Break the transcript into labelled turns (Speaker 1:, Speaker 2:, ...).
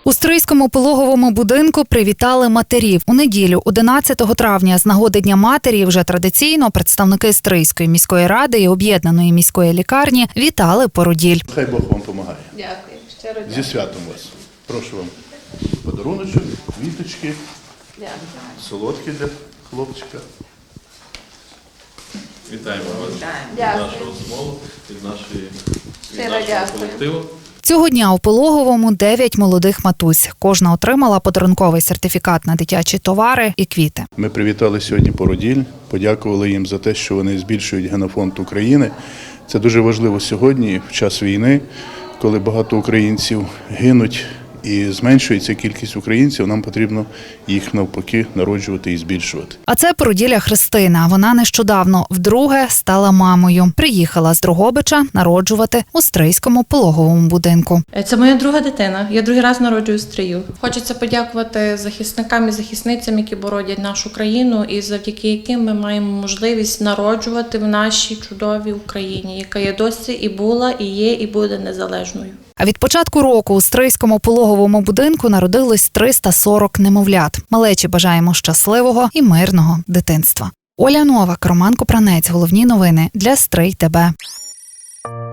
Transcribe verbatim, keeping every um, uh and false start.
Speaker 1: У Стрийському пологовому будинку привітали матерів. У неділю, одинадцятого травня, з нагоди Дня матері, вже традиційно представники Стрийської міської ради і об'єднаної міської лікарні вітали породіль.
Speaker 2: Хай Бог вам допомагає.
Speaker 3: Дякую, щиро
Speaker 2: Зі
Speaker 3: дякую.
Speaker 2: святом вас. Прошу вам подаруночок, квіточки,
Speaker 3: Дякую.
Speaker 2: солодкі для хлопчика.
Speaker 4: Вітаємо вас від
Speaker 3: Дякую.
Speaker 4: нашого смолу, від, нашої, від
Speaker 3: Щиро
Speaker 4: нашого
Speaker 3: дякую.
Speaker 4: колективу.
Speaker 1: Цього дня у пологовому дев'ять молодих матусь. Кожна отримала подарунковий сертифікат на дитячі товари і квіти.
Speaker 2: Ми привітали сьогодні породіль, подякували їм за те, що вони збільшують генофонд України. Це дуже важливо сьогодні, в час війни, коли багато українців гинуть і зменшується кількість українців, нам потрібно їх навпаки народжувати і збільшувати.
Speaker 1: А це породілля Христина. Вона нещодавно вдруге стала мамою. Приїхала з Дрогобича народжувати у Стрийському пологовому будинку.
Speaker 5: Це моя друга дитина. Я другий раз народжую в Стрию. Хочеться подякувати захисникам і захисницям, які боронять нашу країну, і завдяки яким ми маємо можливість народжувати в нашій чудовій Україні, яка є досі і була, і є, і буде незалежною.
Speaker 1: А від початку року у Стрийському пологовому будинку народилось триста сорок немовлят. Малечі бажаємо щасливого і мирного дитинства. Оля Новак, Роман Копранець. Головні новини для Стрий ТБ.